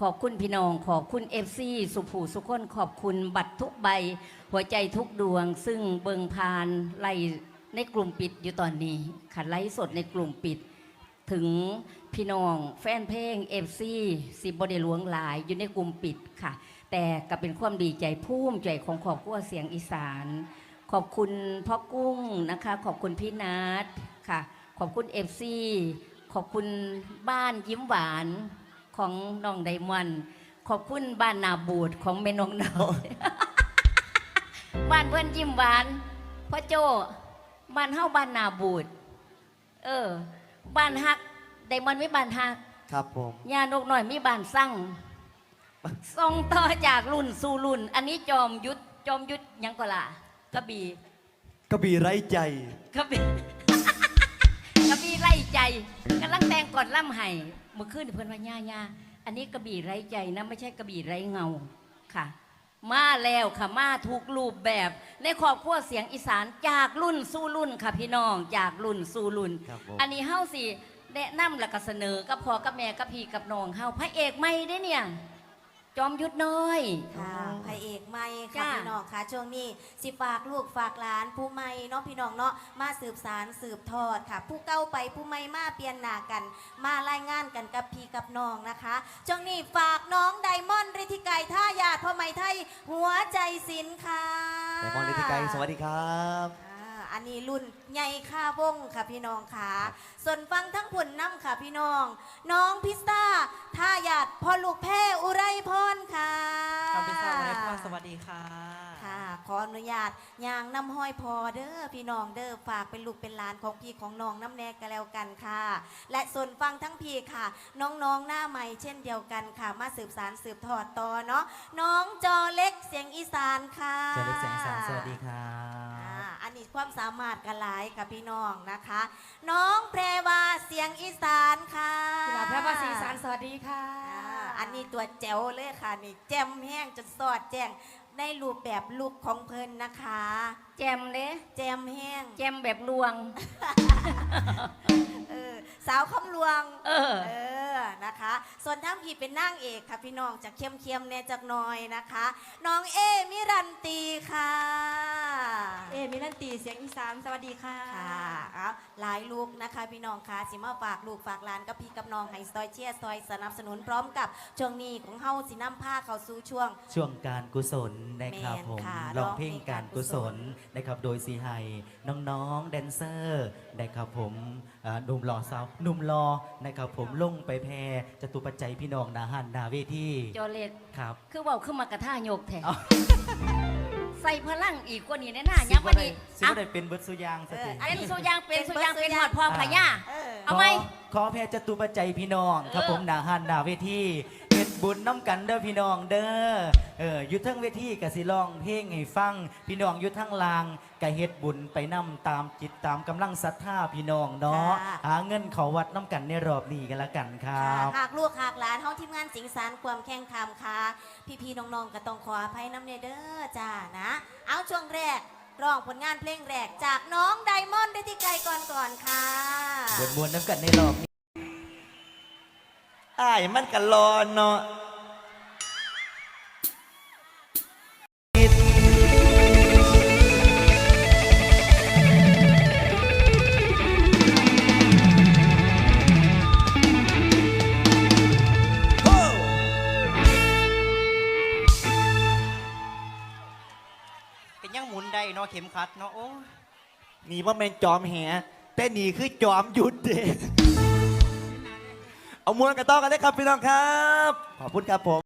ขอบคุณพี่น้องขอบคุณFCสุภูสุคนขอบคุณบัตรทุกใบหัวใจทุกดวง ซึ่งเบิงพานไล่ในกลุ่มปิดอยู่ตอนนี้ค่ะไล่สดในกลุ่มปิด ถึงพี่น้องแฟนเพลงFCสิบได้หลวงหลายอยู่ในกลุ่มปิดค่ะแต่ก็เป็นความดีใจภูมิใจของครอบครัวเสียงอีสานขอบคุณพ่อกุ้งนะคะขอบคุณพี่นัทค่ะขอบคุณFCขอบคุณบ้านยิ้มหวานของน้องไดมอนด์ขอบคุณบ้านนาบูดของแม่น้องเนาบ้านเพื่อนยิ้มหวานพ่อโจบ้านเฮาบ้านนาบูดบ้านฮักไดมอนด์ไม่บ้านฮักครับผมย่านกหน่อยมีบ้านสั่งส่งต่อจากรุ่นสู่รุ่นอันนี้จอมยุทธยังก็ล่ะกระบี่ไร้ใจกระบี่กระบี่ไร้ใจกำลังแต่งก่อนล่ำไห้เมื่อคืนเพื่อนว่าย่าอันนี้กระบี่ไร้ใจนะไม่ใช่กระบี่ไร้เงาค่ะมาแล้วค่ะมาทุกรูปแบบในครอบครัวเสียงอีสานจากรุ่นสู่รุ่นค่ะพี่น้องจากรุ่นสู่รุ่นอันนี้เฮ้าสิแนะนำและก็เสนอกับพ่อกับแม่กับพี่กับน้องเฮาพระเอกไม่ได้เนี่ยจอมยุทธน้อยค่ะพระเอกไม่ค่ะพี่น้องค่ะช่วงนี้สิฝากลูกฝากหลานผู้ไม่เนาะพี่น้องเนาะมาสืบสารสืบทอดค่ะผู้เก่าไปผู้ไม่มาเปลี่ยนหน้ากันมารายงานกันกับพี่กับน้องนะคะช่วงนี้ฝากน้องไดมอนด์ฤทธิไกรท่ายาดพ่อไม่ไทยหัวใจศิลป์ค่ะไดมอนด์ฤทธิไกรสวัสดีครับอันนี้รุ่นใหญ่ค่าวงค่ะพี่น้องค่ะส่วนฟังทั้งผลน้ำค่ะพี่น้องน้องพิสตาท่าหยาดพ่อลูกแพ้อุไรพรค่ะน้องพิสตาอุไรพรสวัสดีค่ะค่ะขออนุญาตยางน้ำห้อยพอเด้อพี่น้องเด้อฝากเป็นลูกเป็นหลานของพี่ของน้องน้ำแนกกันแล้วกันค่ะและส่วนฟังทั้งพี่ค่ะน้องๆหน้าใหม่เช่นเดียวกันค่ะมาสืบสารสืบทอดต่อเนาะน้องจอเล็กเสียงอีสานค่ะจอเล็กเสียงอีสานสวัสดีค่ะอันนี้ความสามารถกันหลายกับพี่น้องนะคะน้องแพรวาเสียงอีสานค่ะแพรวาเสียงอีสานสวัสดีค่ะอันนี้ตัวแจ๋วเลยค่ะนี่แจ่มแห้งจนสอดแจ้งในรูปแบบลุกของเพลินนะคะแจมเลยแจ่มแห้งแจมแบบลวงสาวคำลวงนะคะส่วนทั้งพี่เป็นนางเอกค่ะพี่น้องจะเข้มๆแน่จักหน่อยนะคะน้องเอมิรันตีค่ะมิรันตีเสียงอีสานสวัสดีค่ะค่ะหลายลูกนะคะพี่น้องค่ะสิมาฝากลูกฝากหลานกับพี่กับน้องให้ซอยเชียร์ซอยสนับสนุนพร้อมกับช่วงนี้ของเฮาสิน้ำผ้าเข้าสู่ช่วงการกุศลนะครับผมร้องเพลงการกุศลนะครับโดยสีไฮน้องๆแดนเซอร์นะครับผมหนุ่มหล่อสาวหนุ่มรอนะครับผมลงไปแพรจตุปัจจัยพี่น้องนาหันนาเวทีจอเล็ดครับคือว่าขึ้นมากระท่ายกแทนใส่พลังอีกกว่านี้แน่น่ายังวันนี้สิบ่ได้เป็นเบิร์ดสุยางสักทีเป็นสุยางเป็นหอดพอพญาเอาไหมขอแพรจตุปัจจัยพี่น้องครับผมนาหันนาเวทีเฮ็ดบุญน้ำกันเด้อพี่น้องเด้ออยู่ทั้งเวทีกะสิร้องเพลงให้ฟังพี่น้องอยู่ทั้งลางกะเฮ็ดบุญไปนำตามจิตตามกำลังศรัทธาพี่น้องเนาะหาเงินเขาวัดน้ำกันในรอบนี้กันละกันครับหากลูกหากหลานเฮาทีมงานสิงสารความแข่งขันค่ะพี่ๆน้องๆก็ต้องขออภัยน้ำเด้อจ้านะเอาช่วงแรกร้องผลงานเพลงแรกจากน้องไดมอนด์ฤทธิไกรก่อนค่ะมวนน้ำกันในรอบนี้อ้ายมันกันรอเนาะเป็นยังหมุนได้เนาะเข็มขัดเนาะโอ้นี่ว่าเป็นจอมแหแต่นี่คือจอมหยุดเด็กเอามวนกันต่อกันได้ครับพี่น้องครับขอบคุณครับผม